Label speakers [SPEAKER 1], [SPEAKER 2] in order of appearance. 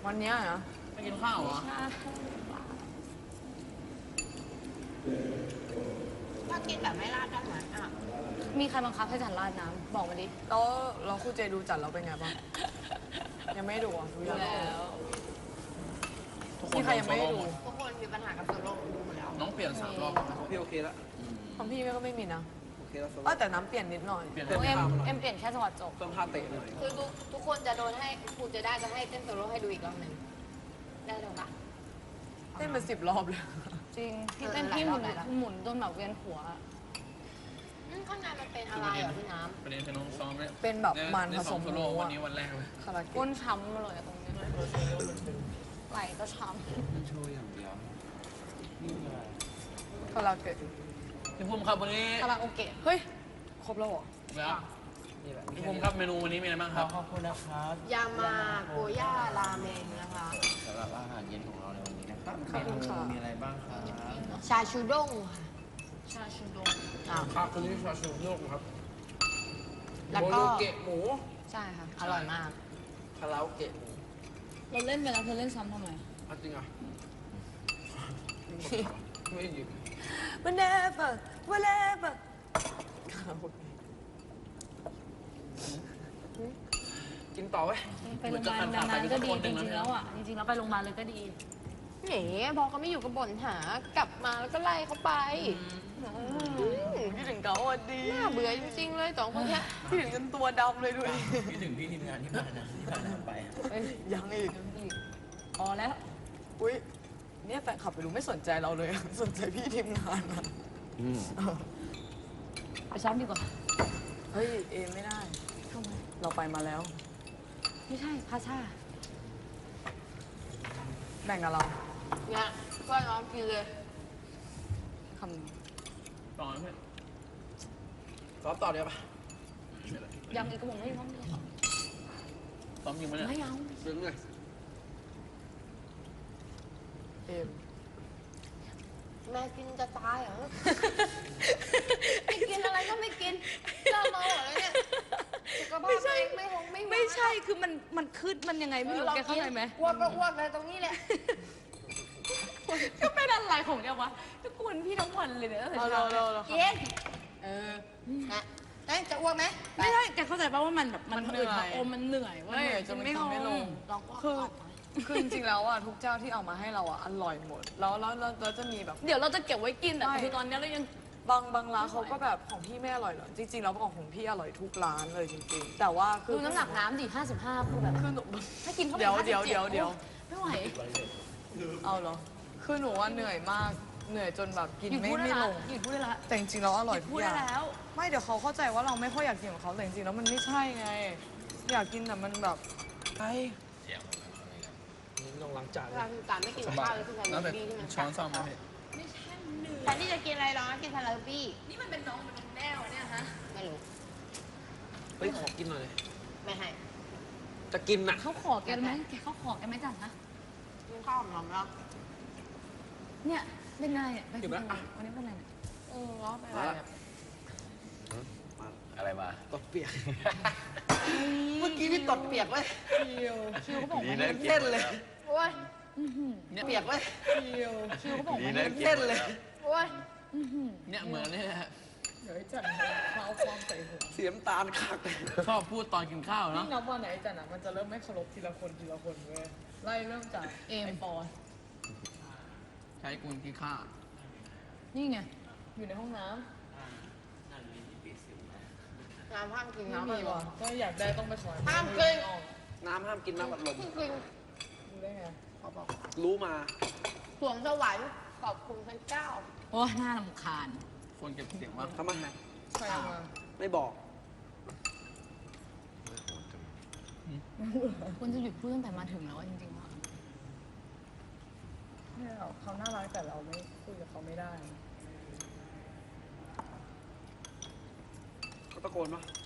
[SPEAKER 1] วันนี้เหรอ
[SPEAKER 2] ไปกินข้าวเหรอ
[SPEAKER 3] ถ้ากินแบบไม่ราดได้ไหมอ่ะ
[SPEAKER 4] มีใครบังคับให้จันราดน้ำบอกมาดิ
[SPEAKER 1] แล้วครูเจดูจัดเราเป็นไงบ้างยังไม่ดูอ่ะดูแล้วนี่ใครยังไม่ดู
[SPEAKER 3] ทุกคนมีปัญหากับโซโล่ดูหมดแล้ว
[SPEAKER 2] น้องเปลี่ยน3 รอบ
[SPEAKER 5] พี่โอเคแล้ว
[SPEAKER 1] ของพี่ก็ไม่มีนะ
[SPEAKER 5] โอเคแล้ว
[SPEAKER 1] แต่น้ำเปลี่ยนนิดหน่อย
[SPEAKER 2] เปลี่ยน
[SPEAKER 4] เอ็มเปลี่ยนแค่จังหวัดจบ
[SPEAKER 5] เพิ่มท่าเตะหน่อย
[SPEAKER 3] คือทุกคนจะโดนให้ครูจะได้จะให้เต้นโซโล่ให้ดูอีกรอบหนึ่งได้หรือเปล่า
[SPEAKER 1] เต้นมา10 รอบเลย
[SPEAKER 4] จริงพี่เต้นพี่หมุนจนแบบเวียนหัว
[SPEAKER 3] ข้างในมันเป็นอะไรเหรอพี่น้ำ
[SPEAKER 2] ประเด็นคือน้องซ้อมเนี่ย
[SPEAKER 1] เป็นแบบมันผสม
[SPEAKER 2] โซโล่วันนี้วันแรกเลย
[SPEAKER 4] ก้นช้ำมาเลยตรงนี้ไหล่ก็ช้
[SPEAKER 5] โชว์อย่างเดียว
[SPEAKER 1] คาราเกะ
[SPEAKER 2] พี่ภูมิครับวันนี้
[SPEAKER 4] คาราโอเกะ
[SPEAKER 1] เฮ้ยครบแล้วเหรอ
[SPEAKER 2] แล้วพี่ภูมิครับเมนูวันนี้มีอะไรบ้างครับ
[SPEAKER 5] ขอบคุณนะครับ
[SPEAKER 3] ยามาโกย่าราเมงนะคะ
[SPEAKER 5] สำหรับอาหารเย็นของเราในวันนี้นะครับเมนูมีอะไรบ้างครับ
[SPEAKER 3] ชาชูด้ง
[SPEAKER 4] ชาชูดง
[SPEAKER 2] ครับวันนี้ชาชูด้งครับ
[SPEAKER 3] แล้วก็
[SPEAKER 5] เกะหมู
[SPEAKER 3] ใช่ค่ะอร่อยมาก
[SPEAKER 5] คาราโอเกะหมู
[SPEAKER 4] เราเล่นไปแล้วเธอเล่นซ้ำทำไม
[SPEAKER 5] จริงอ่ะไม่หยิบ
[SPEAKER 1] whatever
[SPEAKER 5] กินต่อไว้
[SPEAKER 4] ไปโรงพยาบาลนานๆก็ดีจริงๆแล้วอ่ะจริงๆแล้วไปโรงพยาบาลเลยก็ดี
[SPEAKER 3] นี่พอเขาไม่อยู่กับบ่นหากลับมาแล้วก็ไล่เขาไป
[SPEAKER 1] พี่ถึงเขาอ่ะดี
[SPEAKER 3] น่าเบื่อจริงๆเลย2 คนนี้
[SPEAKER 1] พี่ถึงจนตัวดำเลยด้วย
[SPEAKER 5] พี่ถึงพี่ทีมงานที่มานะที่ผ่านไป
[SPEAKER 1] ยังอีก
[SPEAKER 4] พอแล้ว
[SPEAKER 1] อุ้ยเนี่ยแฟนคลับไปรู้ไม่สนใจเราเลยสนใจพี่ทีมงานนะ
[SPEAKER 4] ไปซ้อมดีกว่า
[SPEAKER 1] เฮ้ยเอไม่ได้
[SPEAKER 4] ทำไม
[SPEAKER 1] เราไปมาแล้ว
[SPEAKER 4] ไม่ใช่พาซ่า
[SPEAKER 1] แบ่งกับเรา
[SPEAKER 3] เนี่ยก็น้องกินเลย
[SPEAKER 1] คำนึง
[SPEAKER 2] ต่อไหม
[SPEAKER 5] ซ้อมต่อเดี๋ยวปะ
[SPEAKER 4] ยังอีกกระบอกไม่พร้อมเลย
[SPEAKER 2] ซ้อมยิงไหมเนี่ย
[SPEAKER 4] ไม่เอา
[SPEAKER 5] ซึ้งเลย
[SPEAKER 1] เอม
[SPEAKER 3] แม่กินจะตายเหรอไม่กินอะไรก็ไม่กินเจ้าเมาอะไรเนี่ยสุขภาพเอง
[SPEAKER 4] ไม่ใช่คือมันขึ้นมันยังไงไม่รู้แกเข้าใจไหม
[SPEAKER 3] อ้วกก็อ้วกเลยตรงนี้แหละ
[SPEAKER 4] ก็เป็นอะไรของแกวะก็กวนพี่ทั้งวันเลยเนี่ย
[SPEAKER 3] เรากินนะจะอ้วกไหม
[SPEAKER 4] ไม่ใช่แกเข้าใจป่ะว่ามันแบบมันอืดอมมันเหนื่อยว่า
[SPEAKER 1] จนไม่ลงคือจริงๆแล้วอ่ะทุกเจ้าที่เอามาให้เราอ่ะอร่อยหมดแล้วจะมีแบบ
[SPEAKER 4] เดี๋ยวเราจะเก็บไว้กินแต่คือตอนนี้เรายัง
[SPEAKER 1] บางร้านเขาก็แบบของพี่ไม่อร่อยหรอจริงๆแล้วของพี่อร่อยทุกร้านเลยจริงๆแต่ว่า
[SPEAKER 4] คือน้ำหนักน้ำดิ55คือแบบถ้ากินเข้าไป
[SPEAKER 1] เดี๋ยว
[SPEAKER 4] ไม่ไหว
[SPEAKER 1] เอาเหรอคือหนูว่าเหนื่อยมากเหนื่อยจนแบบกินไม่ลง
[SPEAKER 4] หยุดพูดได้ละ
[SPEAKER 1] แต่จริงๆแล้วอร่อย
[SPEAKER 4] ทุกอย่าง
[SPEAKER 1] ไม่เดี๋ยวเขาเข้าใจว่าเราไม่ค่อยอยากกินของเขาแต่จริงๆแล้วมันไม่ใช่ไงอยากกินแต่มันแบบ
[SPEAKER 5] ไอ้ลงล้างจาน
[SPEAKER 3] เราคือการไม่กินข้าวเลยคือการบี้ที่มัน
[SPEAKER 2] ช้อนซ่อมไหม
[SPEAKER 3] ไม่ใช่แทนที่จะกินอะไรหรอกินซาลาบี้
[SPEAKER 4] นี่มันเป็นน้องแน่วเนี่ยฮะ
[SPEAKER 3] ไม่รู้
[SPEAKER 5] เฮ้ยขอกินหน่อย
[SPEAKER 3] ไม่ให้
[SPEAKER 5] จะกินน่ะ
[SPEAKER 4] เขาขอแกไหมแกเขาขอแกไหมจังฮะ
[SPEAKER 3] กินข้าวหอมแล้ว
[SPEAKER 4] เนี่ยเป็นไงอ่ะไปวันนี้เป็นไรเนี่ย
[SPEAKER 3] เป็นไร
[SPEAKER 5] อะไรมาตดเปียกเมื่อกี้พี่ตดเปียกไว้
[SPEAKER 4] คิวเขาบอกว่า
[SPEAKER 5] เล่นเลย
[SPEAKER 3] โอ้ย
[SPEAKER 5] เปียกไว้
[SPEAKER 4] คิวเขาบอกว่า
[SPEAKER 5] เล่นเลย
[SPEAKER 3] โอ้ย
[SPEAKER 2] เนี่ยเหมือนนี่แหละ
[SPEAKER 1] เดี๋ยวจันเขาความใส่หัว
[SPEAKER 5] เสียมตาลคัก
[SPEAKER 2] ชอบพูดตอนกินข้าวเนาะ
[SPEAKER 1] นับวันไหนจันอ่ะมันจะเริ่มไม่เคารพทีละคนเว้ยไล่เริ่มจาก
[SPEAKER 4] เอมปอ
[SPEAKER 2] ใช้กุนกินข้าว
[SPEAKER 4] นี่ไง
[SPEAKER 1] อยู่ในห้องน้ำ
[SPEAKER 3] น้ำห้ามกิน
[SPEAKER 1] น้ำมีวะก็อยากได้ต้องไปขอ
[SPEAKER 3] ห้ามกิน
[SPEAKER 5] น้ำห้ามกินน้ำอัดลม
[SPEAKER 1] รู้ได้ไง
[SPEAKER 5] เขาบอกรู้มา
[SPEAKER 3] สวงสวรรค์ขอบคุณพระเจ้า
[SPEAKER 4] โอ้น่ารำคาญ
[SPEAKER 2] คนเก็บเสียงว่า
[SPEAKER 5] ทำไม
[SPEAKER 1] ใครมา
[SPEAKER 5] ไม่บอก
[SPEAKER 4] คุณจะหยุดพูดตั้งแต่มาถึงแล้วจริงๆว่า
[SPEAKER 1] เนี่ยเขาน่ารักแต่เราไม่คุยกับเขาไม่ได้
[SPEAKER 5] เขาตะโกนปะ